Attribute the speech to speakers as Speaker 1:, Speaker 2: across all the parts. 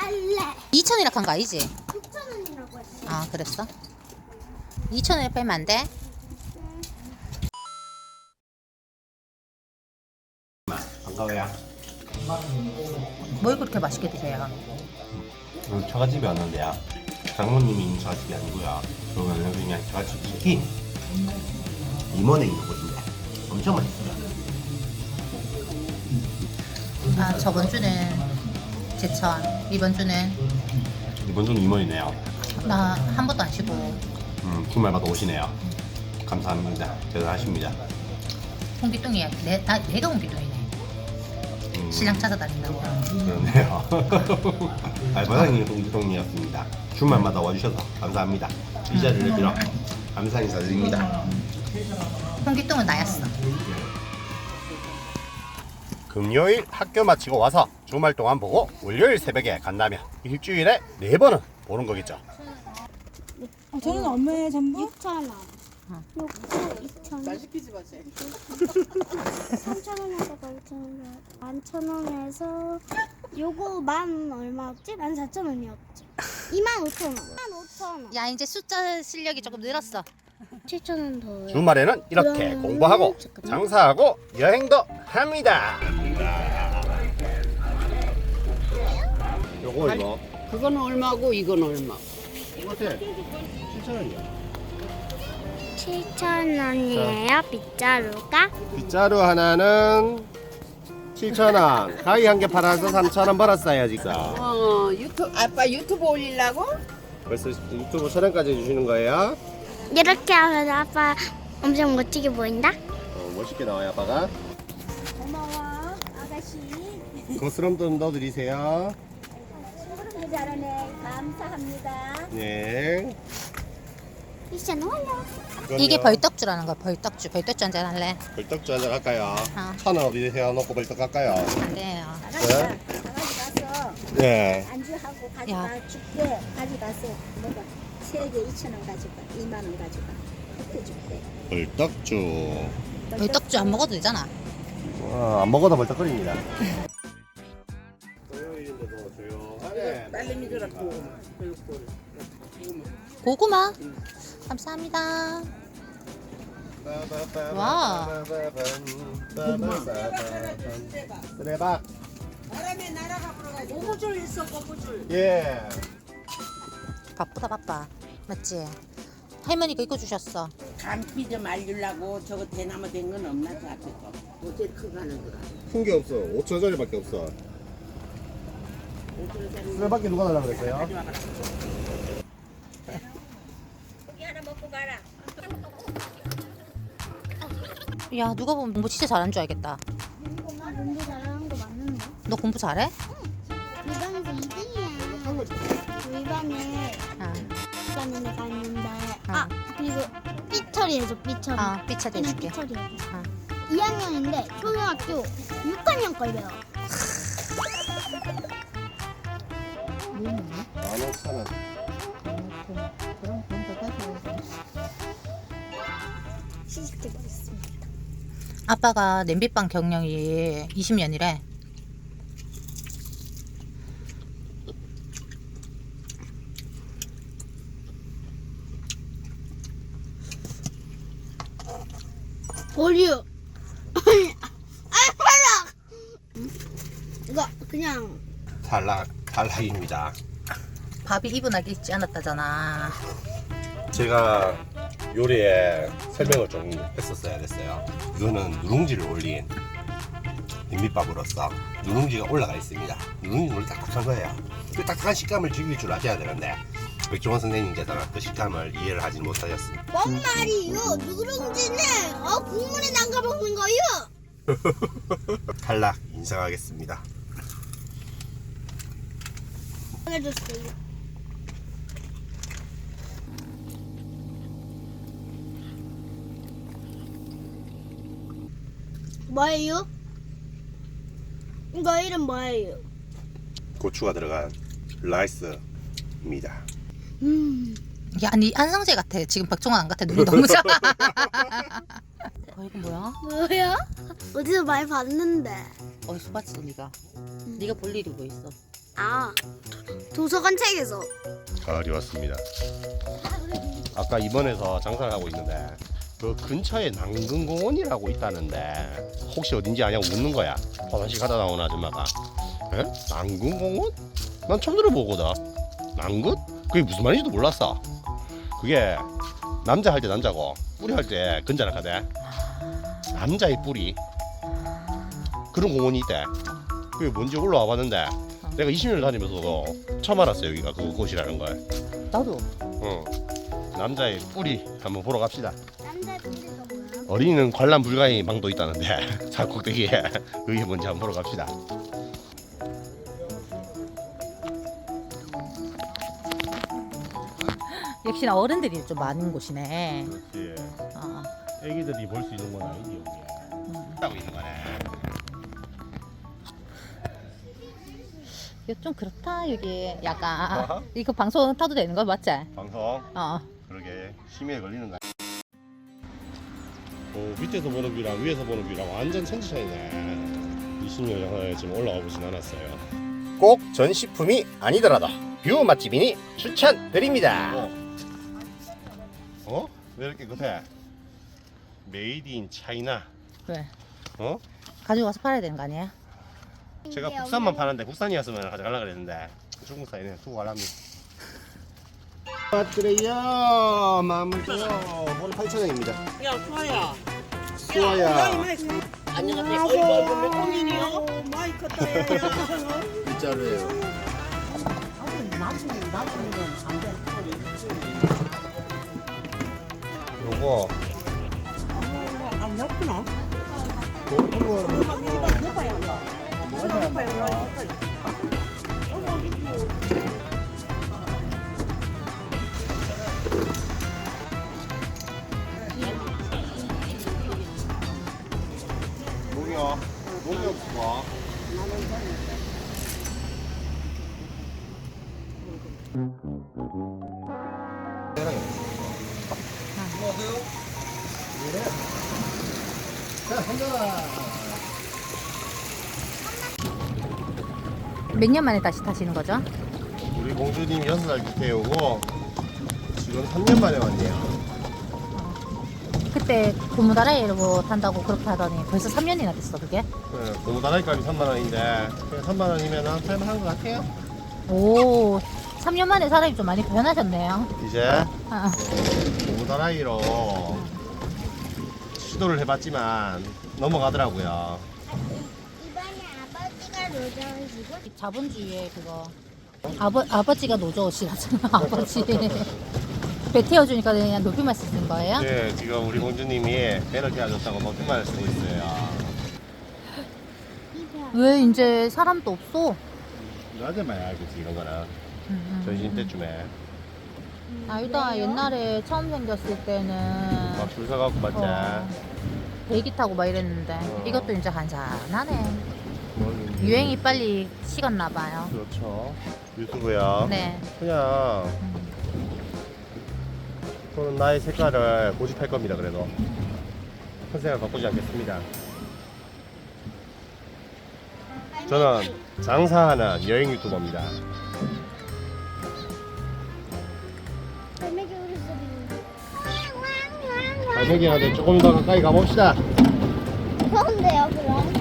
Speaker 1: 살래.
Speaker 2: 2,000이라 한 거 아니지?
Speaker 1: 6,000원이라고 했어.
Speaker 2: 아 그랬어? 2,000원에 빼면 안 돼?
Speaker 3: 반가워요.
Speaker 2: 뭘 그렇게 맛있게 드세요?
Speaker 3: 처갓집이 왔는데요. 장모님이 있는 처갓집이 아니고요. 그거는 그냥 처갓집 치킨 임원에 있는 곳인데 엄청 맛있어요.
Speaker 2: 아 저번 주는 제천, 이번 주는
Speaker 3: 이번 주는 임원이네요.
Speaker 2: 나 한 번도 안 쉬고
Speaker 3: 주말마다 오시네요. 감사합니다. 대단하십니다.
Speaker 2: 홍기똥이야. 내가 홍기똥이네. 신랑 찾아다닌다고.
Speaker 3: 그러네요. 알바생님 동기동이었습니다. 주말마다 와주셔서 감사합니다. 이 자리를 빌어 감사 인사드립니다.
Speaker 2: 홍기똥은 나였어.
Speaker 3: 금요일 학교 마치고 와서 주말 동안 보고 월요일 새벽에 간다면 일주일에 4번은 보는 거겠죠.
Speaker 4: 저는 얼마에 전부?
Speaker 1: 6,000원. 6,000원, 2,000원. 말 시키지 마세요. 3,000원에서 5,000원. 11,000원에서 요거 만 얼마였지? 14,000원이었지. 25,000원. 15,000원.
Speaker 2: 야 이제 숫자 실력이 조금 늘었어.
Speaker 1: 7,000원 더요.
Speaker 3: 주말에는 이렇게 공부하고 장사하고 여행도 합니다. 요거 이거
Speaker 5: 그건 얼마고 이건 얼마?
Speaker 3: 어때? 7,000원이야.
Speaker 1: 7,000원이에요, 빗자루가.
Speaker 3: 빗자루 하나는 7,000원. 가위 한 개 팔아서 3,000원 벌었어요 지금.
Speaker 5: 아빠 유튜브 올리려고?
Speaker 3: 벌써 유튜브 촬영까지 해주시는 거예요?
Speaker 1: 이렇게 하면 아빠 엄청 멋지게 보인다?
Speaker 3: 멋있게 나와요 아빠가.
Speaker 1: 고마워, 아가씨.
Speaker 3: 거스름 좀 넣어드리세요.
Speaker 1: 친구를 잘하네. 감사합니다.
Speaker 3: 네.
Speaker 1: 미션 완료.
Speaker 2: 이게 벌떡주라는 거야. 벌떡주. 벌떡주 한잔 할래?
Speaker 3: 벌떡주 한잔 할까요?
Speaker 2: 어.
Speaker 3: 1,000원 어디 세워놓고 벌떡 할까요?
Speaker 2: 안 돼요.
Speaker 3: 네.
Speaker 6: 가져가서
Speaker 3: 네.
Speaker 6: 안주하고
Speaker 2: 야.
Speaker 6: 가져가 줄게. 가져가서 뭐가 3개 2,000원 가져가 2만 원 가져가 그렇게 줄게.
Speaker 3: 벌떡주.
Speaker 2: 벌떡주 안 먹어도 되잖아.
Speaker 3: 안 먹어도 벌떡거립니다. 토요일인데도 조용하네.
Speaker 5: 딸내미 주라고.
Speaker 2: 고구마. 감사합니다. 와.
Speaker 3: 수레박.
Speaker 5: 바람에 날아가 버려가지고. 고무줄 있어 고무줄.
Speaker 3: 예.
Speaker 2: 바쁘다 바빠. 맞지? 할머니가 이거 주셨어.
Speaker 5: 감기 좀 알리려고 저거 대나무 된 건 없나 저 앞에 거. 어째 크가는 거라.
Speaker 3: 큰 게 없어. 5,000원짜리밖에 없어. 수레바퀴 누가 달라고 그랬어요?
Speaker 2: 야 누가 보면 공부 진짜 잘하는 줄 알겠다.
Speaker 1: 나 공부 잘하는 거 맞는데?
Speaker 2: 너 공부 잘해?
Speaker 1: 이반에서 2등이야. 우리 반에
Speaker 2: 아,
Speaker 1: 반에 갔는데
Speaker 2: 어.
Speaker 1: 아 그리고 삐처리 해줘 삐처리.
Speaker 2: 삐차
Speaker 1: 그냥
Speaker 2: 대줄게.
Speaker 1: 삐처리 해줘.
Speaker 2: 어.
Speaker 1: 2학년인데 초등학교 6학년 걸 배워.
Speaker 3: 15,000원.
Speaker 1: 시식되고 있습니다.
Speaker 2: 아빠가 냄비빵 경력이 20년이래.
Speaker 1: 버려. 아 빨라. 이거 그냥
Speaker 3: 탈락입니다.
Speaker 2: 밥이 이분하게 있지 않았다잖아.
Speaker 3: 제가 요리에 설명을 좀 했었어야 됐어요. 이거는 누룽지를 올린 비빔밥으로서 누룽지가 올라가 있습니다. 누룽지는 원래 딱딱한 거예요. 그 딱딱한 식감을 즐길 줄 아셔야 되는데 백종원 선생님께서는 그 식감을 이해를 하지 못하셨습니다.
Speaker 1: 뭔 말이요? 누룽지는 국물에 담가 먹는 거요.
Speaker 3: 탈락 인정하겠습니다.
Speaker 1: 해줬어요. 뭐예요? 이거 이름 뭐예요?
Speaker 3: 고추가 들어간 라이스입니다.
Speaker 2: 야, 니 안성재 같아. 지금 박종원 안 같아. 눈이 너무 작아. 이거 뭐야?
Speaker 1: 뭐야? 어디서 많이 봤는데.
Speaker 2: 어디서 봤지, 니가? 니가 볼 일이 뭐 있어?
Speaker 1: 아, 도서관 책에서.
Speaker 3: 가을이 왔습니다. 아까 입원해서 장사를 하고 있는데 그 근처에 남근공원이라고 있다는데 혹시 어딘지 아냐고 묻는 거야. 화장실 가다 나온 아줌마가. 에? 남근공원? 난 처음 들어보거든. 남근? 그게 무슨 말인지도 몰랐어. 그게 남자 할 때 남자고 뿌리 할 때 근자라 하대. 남자의 뿌리 그런 공원이 있대. 그게 뭔지 올라와 봤는데 내가 20년을 다니면서도 처음 알았어 여기가 그곳이라는 걸.
Speaker 2: 나도.
Speaker 3: 응. 남자의 뿌리 한번 보러 갑시다.
Speaker 1: 남자 뿌리가 뭐야?
Speaker 3: 어린이는 관람 불가의 망도 있다는데 산꼭대기에 그게 뭔지 한번 보러 갑시다.
Speaker 2: 역시나 어른들이 좀 많은 곳이네.
Speaker 3: 그렇지.
Speaker 2: 어.
Speaker 3: 애기들이 볼 수 있는 건 아니지 여기에. 하고 있는 거네.
Speaker 2: 이거 좀 그렇다 여기. 약간
Speaker 3: 어허.
Speaker 2: 이거 방송 타도 되는 거 맞지?
Speaker 3: 방송.
Speaker 2: 어.
Speaker 3: 그러게 심의에 걸리는 거야. 밑에서 보는 뷰랑 위에서 보는 뷰랑 완전 천지 차이네. 20년 영화에 지금 올라와 보진 않았어요. 꼭 전시품이 아니더라도 뷰 맛집이니 추천드립니다. 어? 왜 이렇게 급해? 메이드 인 차이나.
Speaker 2: 왜?
Speaker 3: 어?
Speaker 2: 가지고 가서 팔아야 되는 거 아니야?
Speaker 3: 제가 국산만 파는데 국산이었으면 가져가려고 그랬는데 중국산이네. 두고 가랍니다. 그래요. 마무리요. 오늘 8,000원입니다.
Speaker 5: 야, 수아야.
Speaker 3: 수아야.
Speaker 5: 안녕하세요. 어이구, 몇 공인이요? 많이 컸다, 야.
Speaker 3: 진짜로요. 요거
Speaker 5: 안 났구나.
Speaker 3: 농협 좋아.
Speaker 2: 몇 년 만에 다시 타시는 거죠?
Speaker 3: 우리 공주님 6살 밑에 오고 지금 3년 만에 왔네요.
Speaker 2: 그때 고무다라이로 탄다고 그렇게 하더니 벌써 3년이나 됐어 그게?
Speaker 3: 네, 고무다라이값이 3만원인데 3만원이면 할만한 것 같아요.
Speaker 2: 오, 3년 만에 사람이 좀 많이 변하셨네요.
Speaker 3: 이제
Speaker 2: 아,
Speaker 3: 고무다라이로 시도를 해봤지만 넘어가더라고요.
Speaker 1: 이번에 아버지가 노정이시고
Speaker 2: 자본주의의 그거 아버지가 노조시라잖아. 아버지 배 태워주니까 그냥 높이만 쓰는 거예요?
Speaker 3: 네, 지금 우리 공주님이 배를 태워줬다고 높임말을 쓰고 있어요.
Speaker 2: 왜 이제 사람도 없어?
Speaker 3: 낮에 많이 알겠지 이런 거는. 전신 때쯤에
Speaker 2: 알다 옛날에 처음 생겼을 때는
Speaker 3: 막 줄 서갖고 맞지.
Speaker 2: 배기 타고 막 이랬는데 이것도 이제 한산하네.
Speaker 3: 뭐,
Speaker 2: 유행이 빨리 식었나 봐요.
Speaker 3: 그렇죠. 유튜브야.
Speaker 2: 네.
Speaker 3: 그냥 저는 나의 색깔을 고집할 겁니다. 그래도 컨셉을 바꾸지 않겠습니다. 저는 장사하는 여행 유튜버입니다.
Speaker 1: 갈매기 울음소리.
Speaker 3: 갈매기한테 조금 더 가까이 가봅시다.
Speaker 1: 무서운데요, 그럼?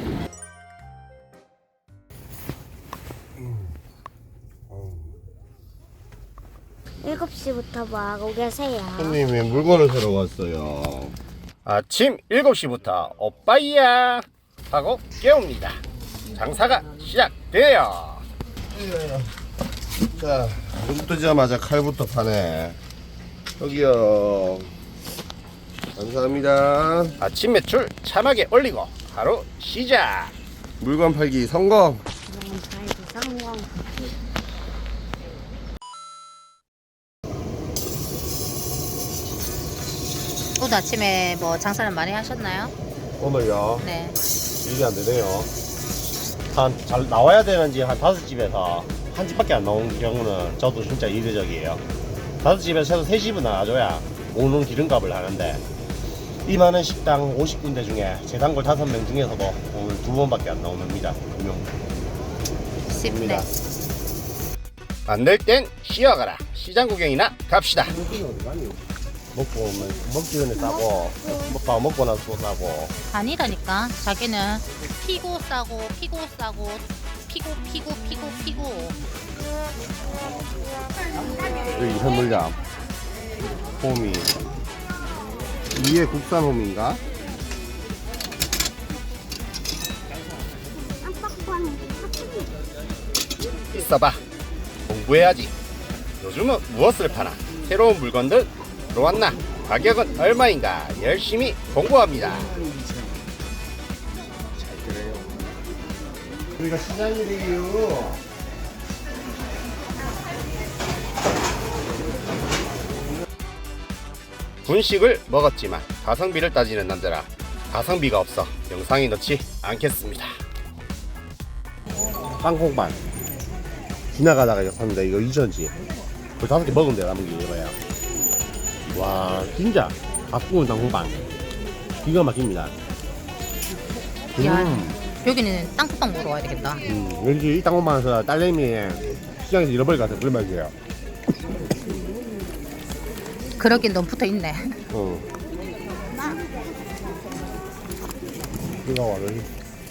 Speaker 1: 일곱 시부터 뭐 하고 계세요?
Speaker 3: 손님이 물건을 사러 왔어요. 아침 7시부터 오빠이야 하고 깨웁니다. 장사가 시작돼요. 자, 눈 뜨자마자 칼부터 파네. 여기요. 감사합니다. 아침 매출 참하게 올리고 하루 시작. 물건 팔기 성공.
Speaker 1: 성공.
Speaker 2: 오늘 아침에 뭐 장사를 많이 하셨나요?
Speaker 3: 오늘요.
Speaker 2: 네.
Speaker 3: 일이 안 되네요. 잘 나와야 되는지 한 5집에서 한 집밖에 안 나오는 경우는 저도 진짜 이례적이에요. 5집에서 최소 3집은 나와줘야 오는 기름값을 하는데 이 많은 식당 50군데 중에 재단골 5명 중에서도 오늘 2번밖에 안 나옵니다. 2명.
Speaker 2: 쉽네.
Speaker 3: 안 될 땐 쉬어가라. 시장 구경이나 갑시다. 먹고 오면 먹기 전에 싸고 먹고 나서 또 싸고.
Speaker 2: 아니라니까. 자기는 피고 싸고 피고 싸고 피고.
Speaker 3: 여기 현물점 호미 이게 국산 호미인가? 있어봐. 공부해야지. 요즘은 무엇을 파나? 새로운 물건들 들어왔나? 가격은 얼마인가? 열심히 공부합니다. 우리가 시장이래요. 분식을 먹었지만 가성비를 따지는 남자라 가성비가 없어 영상에 넣지 않겠습니다. 땅콩반 지나가다가 이거 샀는데 이거 2,000원치 그 5개 먹으면 돼. 남은 게 이거야. 와 진짜 밥 구운 땅콩반 기가 막힙니다.
Speaker 2: 야, 여기는 땅콩빵 먹으러 와야 되겠다.
Speaker 3: 왠지 이 땅콩반에서 딸내미 시장에서 잃어버릴 것 같아. 그런 맛이에요.
Speaker 2: 그러긴 너무 붙어있네.
Speaker 3: 이거 와 여기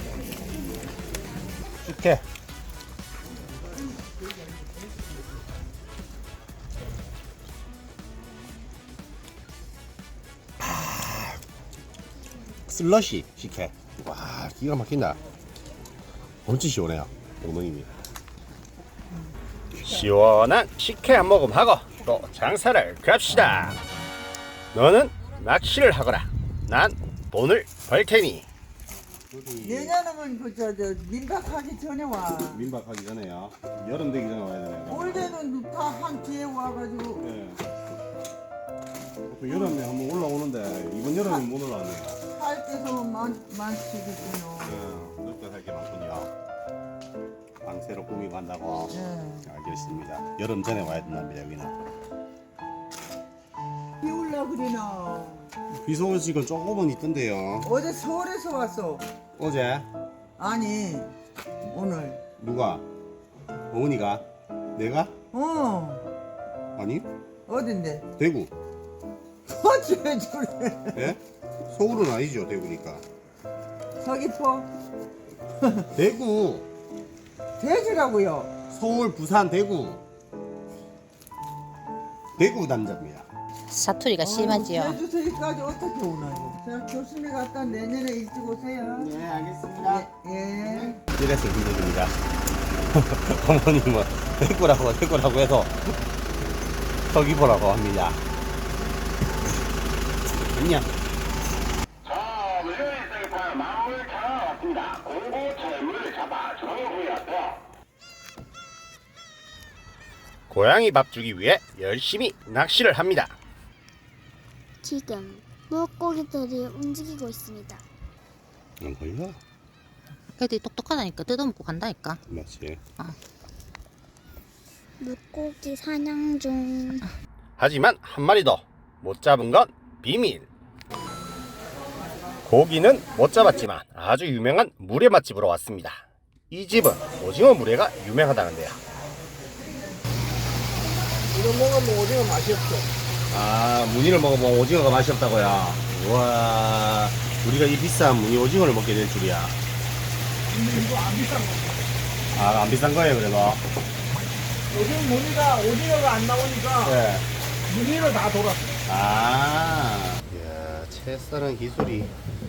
Speaker 3: 식혜 슬러시 식혜. 와 기가 막힌다. 엄청 시원해요. 어머님이 시원한 식혜 한 모금 하고 또 장사를 갑시다. 너는 낚시를 하거라. 난 돈을 벌 테니.
Speaker 7: 내년은 저 민박하기 전에 와.
Speaker 3: 민박하기 전에요. 여름 되기 전에 와야 되네요.
Speaker 7: 올해는 다 한 뒤에 와가지고.
Speaker 3: 네. 여름에 한번 올라오는데 이번 여름에 못 올라왔네요.
Speaker 7: 할 때도 많지겠군요.
Speaker 3: 네, 늦게 살 게 많군요. 방 새로 꾸미고 한다고.
Speaker 7: 네.
Speaker 3: 알겠습니다. 여름 전에 와야 된답니다. 여기는.
Speaker 7: 비 올라 그리나.
Speaker 3: 비 소식은 조금은 있던데요.
Speaker 7: 어제 서울에서 왔어.
Speaker 3: 어제
Speaker 7: 아니 오늘.
Speaker 3: 누가? 어머니가? 내가? 아니
Speaker 7: 어딘데?
Speaker 3: 대구.
Speaker 7: 어째 그래?
Speaker 3: 예? 서울은 아니죠. 대구니까.
Speaker 7: 서귀포
Speaker 3: 대구.
Speaker 7: 돼지라고요.
Speaker 3: 서울, 부산, 대구. 대구 남자입니다.
Speaker 2: 사투리가 심하지요.
Speaker 7: 제주도까지 어떻게 오나요? 자 조심히 갔다 내년에 일찍 오세요.
Speaker 5: 네, 알겠습니다.
Speaker 7: 예.
Speaker 3: 이래서 힘듭니다. 어머님은 대구라고 해서 서귀포라고 합니다. 안녕.
Speaker 8: 자, 물류일상에서 마음을 잡아왔습니다. 공고철물 잡아 정부였다.
Speaker 3: 고양이 밥 주기 위해 열심히 낚시를 합니다.
Speaker 1: 지금 물고기들이 움직이고 있습니다.
Speaker 3: 안 걸려?
Speaker 2: 애들이 똑똑하다니까 뜯어먹고 간다니까.
Speaker 3: 맞지.
Speaker 1: 물고기 사냥 중.
Speaker 3: 하지만 한 마리도 못 잡은 건 비밀. 고기는 못 잡았지만 아주 유명한 물회 맛집으로 왔습니다. 이 집은 오징어 물회가 유명하다는데요.
Speaker 7: 이거 먹으면 오징어 맛이 없어.
Speaker 3: 아, 무늬를 먹어보면 오징어가 맛이 없다고요. 우와, 우리가 이 비싼 무늬 오징어를 먹게 될 줄이야.
Speaker 7: 이거 안 비싼 거.
Speaker 3: 아, 안 비싼 거예요, 그래도.
Speaker 7: 요즘 무늬가 오징어가 안 나오니까
Speaker 3: 네.
Speaker 7: 무늬로 다 돌았어.
Speaker 3: 아, 이야, 채 써는 기술이.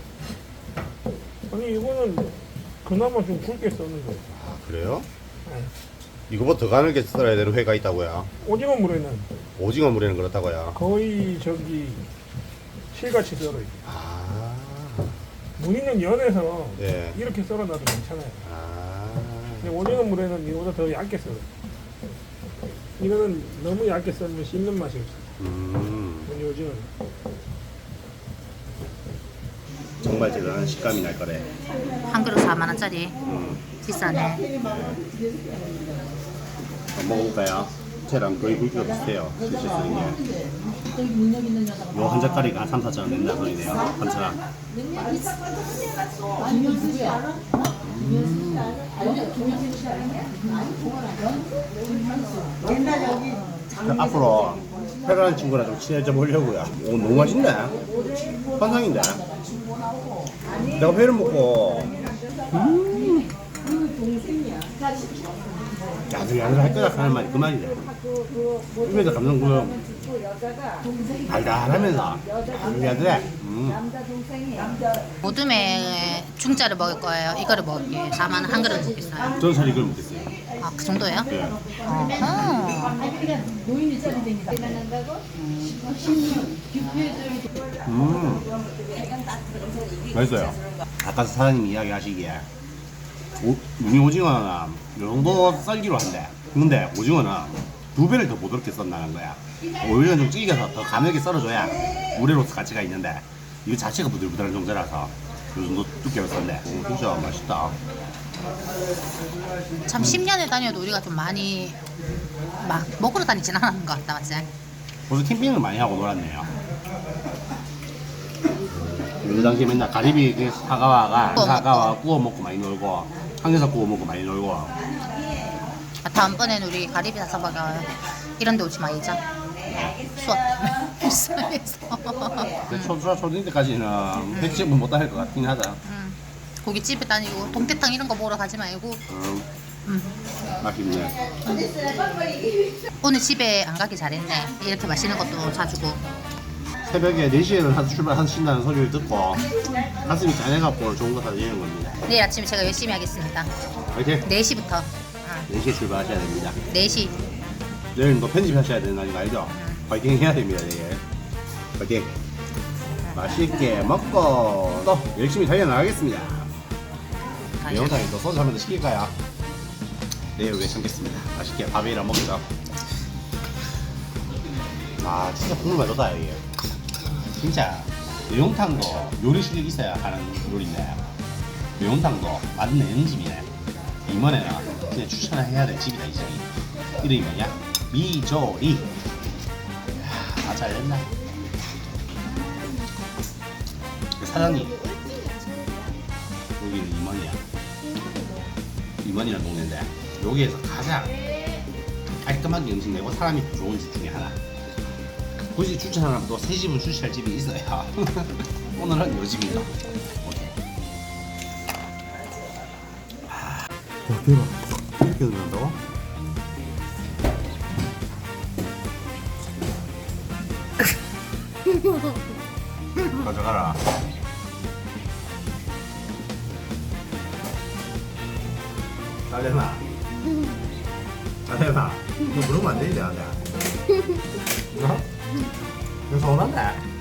Speaker 9: 아니 이거는 그나마 좀 굵게 써는 거예요.
Speaker 3: 아, 그래요? 이거보다 더 가늘게 썰어야 되는 회가 있다고요.
Speaker 9: 오징어 물에는
Speaker 3: 오징어 물에는 그렇다고요.
Speaker 9: 거의 실같이 썰어요.
Speaker 3: 아,
Speaker 9: 무늬는 연해서
Speaker 3: 네.
Speaker 9: 이렇게 썰어놔도 괜찮아요.
Speaker 3: 아,
Speaker 9: 근데 오징어 물에는 이거보다 더 얇게 썰어요. 이거는 너무 얇게 썰면 씹는 맛이 없어요. 무늬 오징어는.
Speaker 3: 정말 대단한 식감이 날 거래.
Speaker 2: 한 그릇 4만 원짜리. 비싸네.
Speaker 3: 한번 먹어볼까요? 채랑 거의 굵기가 비슷해요. 실제 쓰는 게. 요 한 젓가리가 3, 4천 원 된다 소리네요. 한처럼.
Speaker 7: 옛날 여기
Speaker 3: 앞으로 회라는 친구랑 좀 친해져 보려고요. 오, 너무 맛있네. 환상인데. 내가 회를 먹고 야들야들 할 거다 하는 말이 그 말이래. 입에서 감정 달달하면서 야들야들해.
Speaker 2: 모둠에 중짜를 먹을 거예요. 이거를 먹을게요. 4만 원 한 그릇 먹겠어요.
Speaker 3: 저는 사실 이걸 먹겠어요.
Speaker 2: 아, 그 정도예요?
Speaker 3: 예.
Speaker 2: 어허.
Speaker 3: 맛있어요. 아까 사장님이 이야기하시기에 눈이 오징어는 이 정도 썰기로 한대. 근데 오징어는 2배를 더 부드럽게 썬다는 거야. 오히려 좀 찌개서 더 가늘게 썰어줘야 물회로서 가치가 있는데 이거 자체가 부들부들한 정도라서 이 정도 두께로 썬대. 오, 진짜 맛있다.
Speaker 2: 참 10년을 다녀도 우리가 좀 많이 막 먹으러 다니진 않았는 것 같다, 맞지?
Speaker 3: 벌써 캠핑을 많이 하고 놀았네요. 그 당시에 맨날 가리비 그 사과와 구워 먹고 많이 놀고 항해살 구워 먹고 많이 놀고.
Speaker 2: 아, 다음번엔 우리 가리비 사서 먹어. 이런 데 오지 말자. 수업 때문에 불쌍해서.
Speaker 3: 근데 초딩 때까지는 횟집은 못 다닐 것 같긴 하다.
Speaker 2: 고깃집에 다니고 동태탕 이런 거 먹으러 가지 말고.
Speaker 3: 맛있네.
Speaker 2: 오늘 집에 안 가기 잘했네. 이렇게 맛있는 것도 사주고.
Speaker 3: 새벽에 4시에는 출발하신다는 소리를 듣고 가슴이 짠해갖고 오늘 좋은 거 사드리는 겁니다.
Speaker 2: 내일 아침에 제가 열심히 하겠습니다.
Speaker 3: 화이팅!
Speaker 2: 4시부터.
Speaker 3: 4시에 출발하셔야 됩니다.
Speaker 2: 4시.
Speaker 3: 내일 또 편집하셔야 되는 거 알죠? 화이팅 해야 됩니다, 내일. 화이팅! 맛있게 먹고 또 열심히 달려나가겠습니다. 영상에 또 소주 한 번 더 시킬까요? 내일 후에 참겠습니다. 맛있게 밥이랑 먹죠. 아, 진짜 국물 맛있다, 이게. 진짜 매운탕도 요리 실력 있어야 하는 요리인데 매운탕도 맛내는 집이네. 이번에는 그냥 추천해야 될 집이다, 이 집이. 이름이 뭐냐? 미조리. 아, 잘됐나? 사장님, 여기는 임원이야. 임원이라는 동네인데 여기에서 가장 깔끔하게 음식 내고 사람이 좋은 집 중에 하나. 굳이 추천하면 또 세 집은 추천할 집이 있어요. 오늘은 이 집입니다. 와, 대박. 이렇게 넣는다고? 가져가라. 딸내나. 딸내나. 너 그러면 안 되지, 나한테. 어? 너 서운한데?